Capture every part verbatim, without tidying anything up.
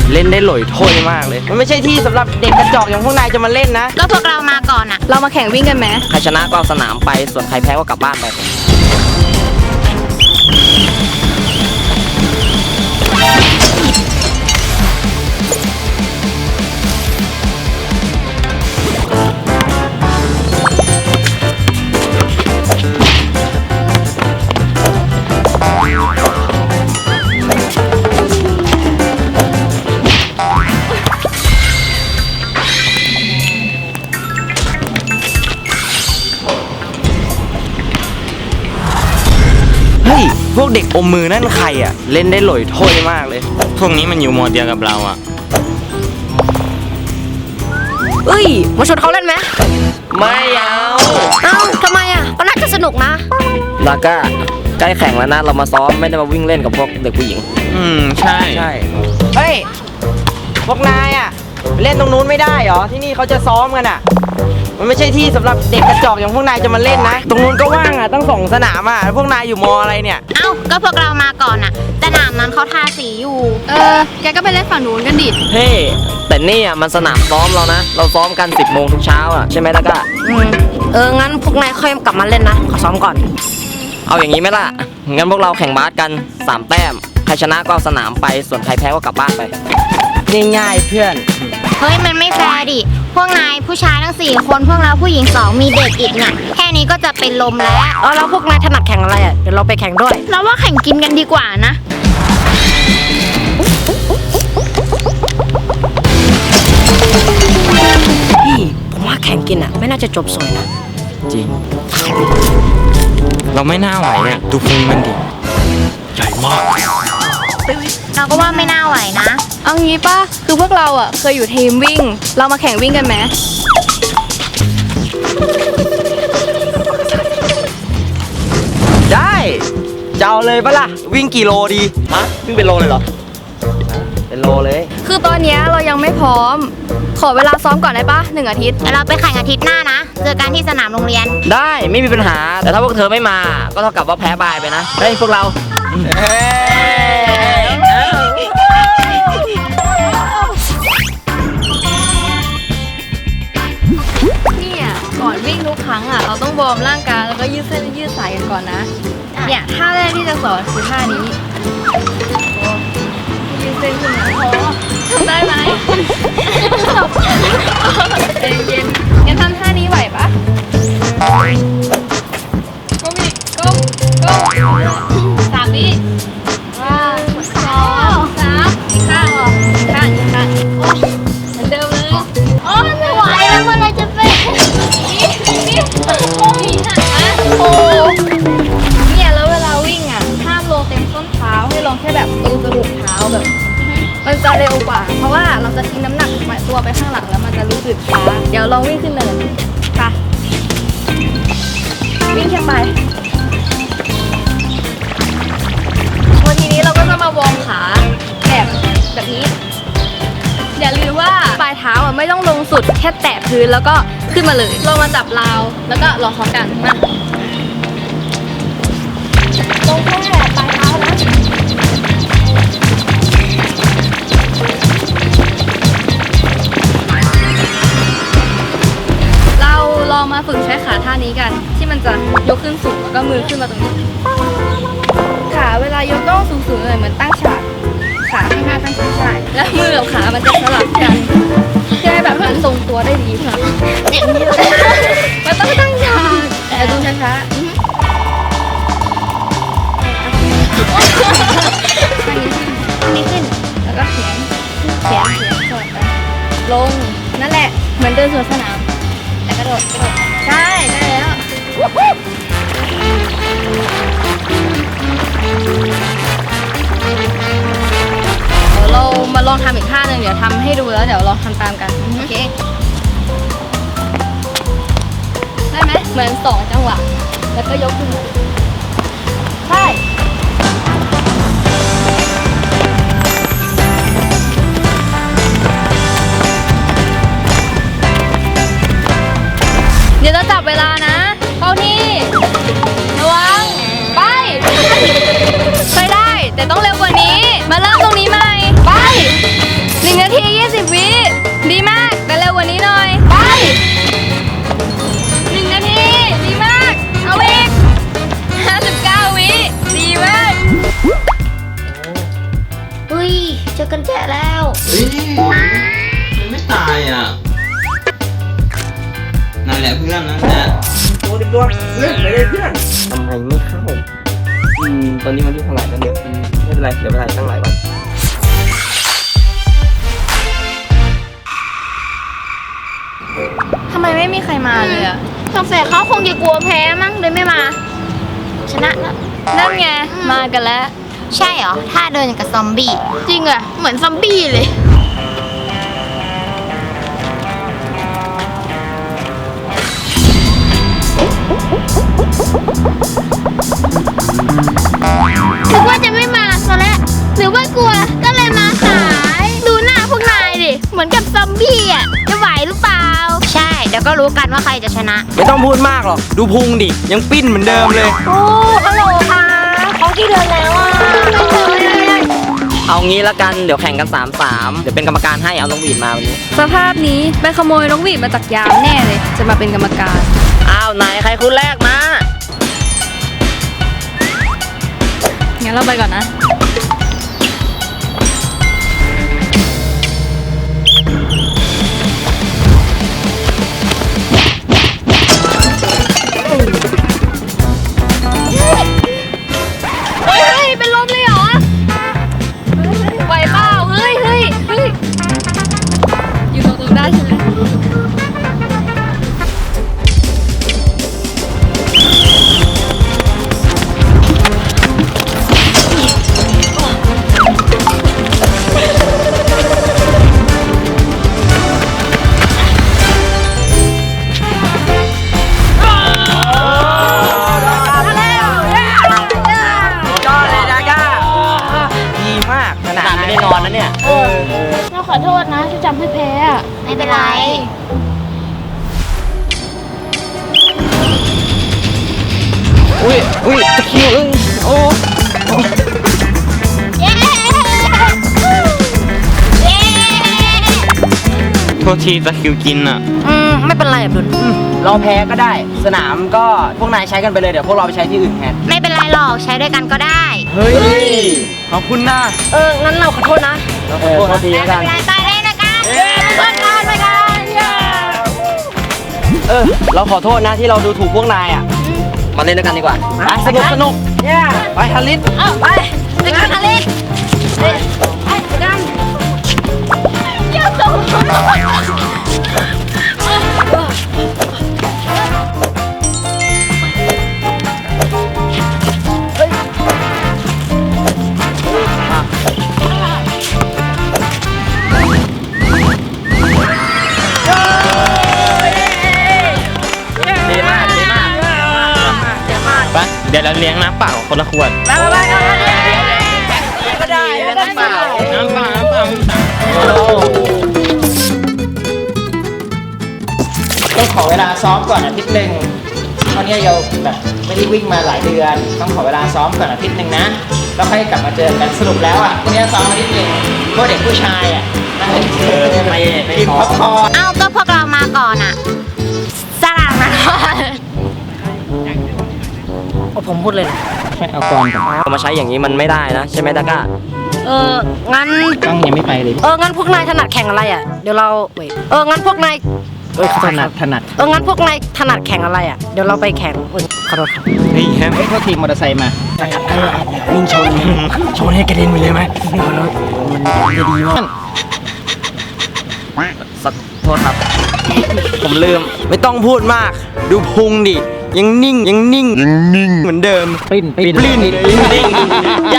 เล่นได้หล่ยถ้วยมากเลยมันไม่ใช่ที่สำหรับเด็กกระจอกอย่างพวกนายจะมาเล่นนะก็พวกเรามาก่อนอะเรามาแข่งวิ่งกันไหมใครชนะก็เอาสนามไปส่วนใครแพ้ก็กลับบ้านไปเฮ้ยพวกเด็กอมมือนั่นใครอ่ะเล่นได้หล่ยถ้วยมากเลยพวกนี้มันอยู่มอเดียวกับเราอ่ะเอ้ยมาชวนเขาเล่นไหมไม่เอาเอ้าทำไมอ่ะก็น่าจะสนุกนะลาก้าใกล้แข่งแล้วนะเรามาซ้อมไม่ได้มาวิ่งเล่นกับพวกเด็กผู้หญิงอืมใช่ใช่เฮ้ยพวกนายอ่ะเล่นตรงนู้นไม่ได้เหรอที่นี่เขาจะซ้อมกันอ่ะมันไม่ใช่ที่สำหรับเด็กกระจอกอย่างพวกนายจะมาเล่นนะตรงนู้นก็ว่างอ่ะตั้งสองสนามอ่ะพวกนายอยู่มออะไรเนี่ยเอ้าก็พวกเรามาก่อนอะสนามนั้นเขาทาสีอยู่เออแกก็ไปเล่นฝั่งนู้นกันดิเฮ้แต่นี่อ่ะมันสนามซ้อมเรานะเราซ้อมกันสิบโมงทุกเช้าอ่ะใช่ไหมล่ะก็อืมเอองั้นพวกนายค่อยกลับมาเล่นนะขอซ้อมก่อนเอาอย่างนี้ไหมล่ะงั้นพวกเราแข่งบาสกันสามแต้มใครชนะก็เอาสนามไปส่วนใครแพ้ก็กลับบ้านไปง่ายๆเพื่อนเฮ้ยมันไม่แฟร์ดิพวกนายผู้ชายทั้งสี่คนพวกเราผู้หญิงสองมีเด็กอีกเนี่ยแค่นี้ก็จะเป็นลมแล้วเออแล้วพวกนายถนัดแข่งอะไรอ่ะเดี๋ยวเราไปแข่งด้วยเราว่าแข่งกินกันดีกว่านะพี่ผมว่าแข่งกินอ่ะไม่น่าจะจบสวยนะจริงเราไม่น่าไหวเนี่ยดูพุงมันดิใหญ่มากเราก็ว่าไม่น่าไหวนะเอางี้ป่ะคือพวกเราอ่ะเคยอยู่ทีมวิ่งเรามาแข่งวิ่งกันไหมได้จะเอาเลยปะล่ะวิ่งกี่โลดีฮะวิ่งเป็นโลเลยเหรอเป็นโลเลยคือตอนนี้เรายังไม่พร้อมขอเวลาซ้อมก่อนได้ปะหนึ่งอาทิตย์เราไปแข่งอาทิตย์หน้านะเจอกันที่สนามโรงเรียนได้ไม่มีปัญหาแต่ถ้าพวกเธอไม่มาก็เท่ากับว่าแพ้บายไปนะเฮ้ยพวกเราเนี่ยก่อนวิ่งทุกครั้งอ่ะเราต้องวอร์มร่างกายแล้วก็ยืดเส้นยืดสายกันก่อนนะเนี่ยท่าแรกที่จะสอนคือท่านี้ยืดเส้นขึ้นมาพอทำได้ไหมใจเย็นงั้นทำท่านี้ไหวปะก้มอีกก้มก้มสามวิว้าสองสามอีกข้างหรออีกข้างอีกข้างโอ้เหมือนเดิมเลยโอ้ไม่ไหวแล้วเมื่อไรจะเป็นนี่นี่โอ้ยฮะโอ้เนี่ยแล้วเวลาวิ่งอ่ะห้ามลงเต็มส้นเท้าให้ลงแค่แบบตรงกระดูกเท้าแบบมันจะเร็วกว่าเพราะว่าเราจะทิ้งน้ำหนักตัวไปข้างหลังแล้วมันจะรู้สึกช้าเดี๋ยวลองวิ่งขึ้นเนินค่ะวิ่งแค่ไปวันทีนี้เราก็จะมาวอร์มขาแบบแบบนี้อย่าลืมว่าปลายเท้าอ่ะไม่ต้องลงสุดแค่แตะพื้นแล้วก็ขึ้นมาเลยลงมาจับราวแล้วก็ลองพร้อมกันมาลงแค่ปลายเท้านะลองมาฝึกใช้ขาท่านี้กันที่มันจะยกขึ้นสูงแล้วก็มือขึ้นมาตรงนี้ขาเวลายกต้องสูงๆเลยเหมือนตั้งฉากขาข้างหน้าตั้งฉากใช่แล้วมือกับขามันจะสลับกันเพื่อให้แบบมันทรงตัวได้ดีค่ะอย่างนี้เลยมันต้องตั้งฉากแต่ดูช้าๆอันนี้ขึ้นแล้วก็เขียนเขียนเขียนสอดไปลงนั่นแหละเหมือนเดินสวนสนามกระโดดกระโดดใช่ได้แล้วเดี๋ยวเรามาลองทำอีกท่าหนึ่งเดี๋ยวทำให้ดูแล้วเดี๋ยวลองทำตามกันโอเคได้ไหมเหมือนสองจังหวะแล้วก็ยกขึ้นใช่เดี๋ยวจะจับเวลานะเข้าที่ระวังไปไปได้แต่ต้องเร็วกว่านี้มาเริ่มตรงนี้ใหม่ไปยเจอกันแจแล้วเฮ้ยมันไม่ตายอ่ะนั่นแหละเพื่อนนั่นแหละตัวเด็กตัวเล่นไปเลยเพื่อนทำไมไม่เข้าอืมตอนนี้มันที่เท่าไหร่แล้วเนี่ยอืมไม่เป็นไรเดี๋ยวไปถ่ายตั้งหลายวันทำไมไม่มีใครมาเลยอะสงสัยเขาคงจะกลัวแพ้มั้งเลยไม่มา ชนะแล้วนั่นไง มากันแล้วใช่เหรอท่าเดินอย่างกับซอมบี้จริงอะเหมือนซอมบี้เลยนึกว่าจะไม่มาซะแล้วหรือว่ากลัวก็เลยมาสาย ดูหน้าพวกนายดิ เหมือนกับซอมบี้อ่ะ จะไหวหรือเปล่า ใช่ เดี๋ยวก็รู้กันว่าใครจะชนะไม่ต้องพูดมากหรอกดูพุงดิยังปิ้นเหมือนเดิมเลยโอ้ฮัลโหลค่ะเขาที่เดินแล้วอ่ะเอางี้ละกันเดี๋ยวแข่งกันสามสามเดี๋ยวเป็นกรรมการให้เอาน้องหวีดมาวันนี้สภาพนี้ไปขโมยนกหวีดมาจากยามแน่เลย จะมาเป็นกรรมการอ้าวไหนใครคุณแรกมางั้นเราไปก่อนนะ เฮ้ย เป็นลมเลยเหรอไหวเปล่าเฮ้ยเฮ้ยเฮ้ยอยู่ตรงๆได้ใช่ไหมยอดเลยดาก้าดีมากขนาดไม่ได้นอนนะเนี่ยเราขอโทษนะที่จำให้แพ้อะไม่เป็นไรอุ้ยอุ้ยตะคริวเอ้ยโอ้เย้เย้โทษทีตะคริวกินอ่ะอืมไม่เป็นไรอับดุลอืมเราแพ้ก็ได้ สนามก็พวกนายใช้กันไปเลยเดี๋ยวพวกเราไปใช้ที่อื่นแทนไม่เป็นไรหรอกใช้ด้วยกันก็ได้เฮ้ยขอบคุณนะเออ งั้นเราขอโทษนะเราขอโทษทีไม่แล้วเป็กันนไรไปเลยนะกันเพื่อนกันไปกันเออเราขอโทษนะที่เราดูถูกพวกนายอ่ะมาเล่นด้วยกันดีกว่าไปสนุกสนุกไปฮาริสเอาไปไปกันอลิสไปไปกันเยี่ยมสุดดีมากดีมากไป เดี๋ยวเราเลี้ยงน้ำเปล่าคนละขวดไปไปไปก็ได้น้ำเปล่าน้ำเปล่าน้ำเปล่าต้องขอเวลาซ้อมก่อนอาทิตย์หนึ่งเพราะเนี่ยเราแบบไม่ได้วิ่งมาหลายเดือน ต้องขอเวลาซ้อมก่อนอาทิตย์หนึ่งนะ แล้วค่อยกลับมาเจอกันสรุปแล้วอ่ะพวกเนี้ยซ้อมอาทิตย์หนึ่งพวกเด็กผู้ชายอ่ะนั่งเล่นเกมไม่ไม่กินพพ็อปคออร์นเอาก็พวกเรามาก่อนอ่ะสลามนะผมพูดเลยใช่เอาก่อนก่อนเอามาใช้อย่างนี้มันไม่ได้นะใช่ไหมดาก้าเออ งั้นต้องยังไม่ไปเลยเออ งั้นพวกนายถนัดแข่งอะไรอ่ะ เดี๋ยวเราเว้ยเออ งั้นพวกนายเอ้ยถนัดถนัดเออ งั้นพวกนายถนัดแข่งอะไรอ่ะ เดี๋ยวเราไปแข่งอุ๊ยขอโทษครับเฮ้ยแฮมเอ้ยโทษทีมอเตอร์ไซค์มานิ่งชนชนให้กระเด็นไปเลยไหมมันจะดีมากสักโทษครับ ผมลืมไม่ต้องพูดมาก ดูพุงดิ ยังนิ่ง ยังนิ่ง ยังนิ่ง เหมือนเดิมปริ้นปริ้นปลิ้นนิ่งยัง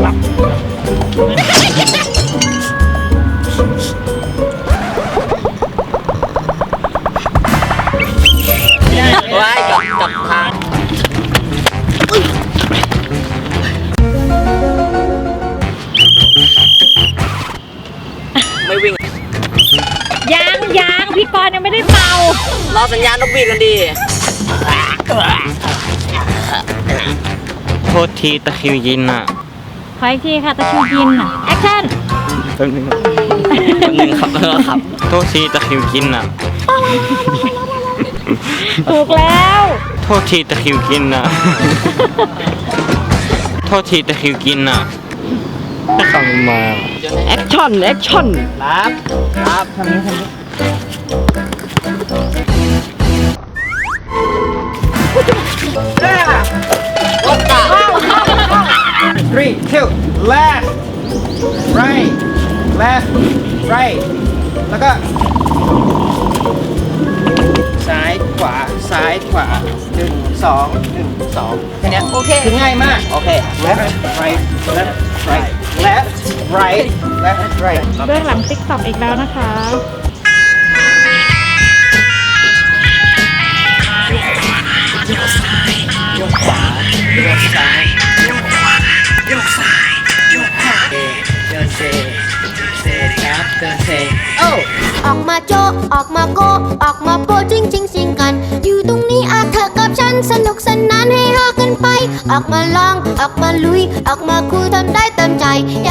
ไว้กับกับทางไม่วิ่งยังยังพี่กรณ์ยังไม่ได้เป่ารอสัญญาณนกหวีดกันดีโทษทีตะคริวกินอ่ะขออีกทีค่ะตะคิวกินแอคชั่นแป๊บนึงแป๊บนึงครับเออครับโทษทีตะคริวกินอ่ะถูกแล้วโทษทีตะคริวกินอ่ะ โทษทีตะคริวกินอ่ะไม่ต้องมาแอคชั่น แอคชั่นครับครับทำนี้ทำนี้ three two left right left right แล้วก็ซ้ายขวาซ้ายขวาหนึ่งสองหนึ่งสองแค่เนี้ยโอเคคือง่ายมากโอเค left right left right left right left right เบื้องหลังติ๊กต็อกอีกแล้วนะคะยกขวายกซ้ายยกขวายกซ้ายยกขวาเดินเซเซครับเดินเซโอ้ออกมาโจะออกมาโกะออกมาโปะจริงจริงจริงกัน อยู่ตรงนี้อาเธอกับฉันสนุกสนานให้ฮากันไป ออกมาลองออกมาลุย ออกมาคุยทำได้เต็มใจ อย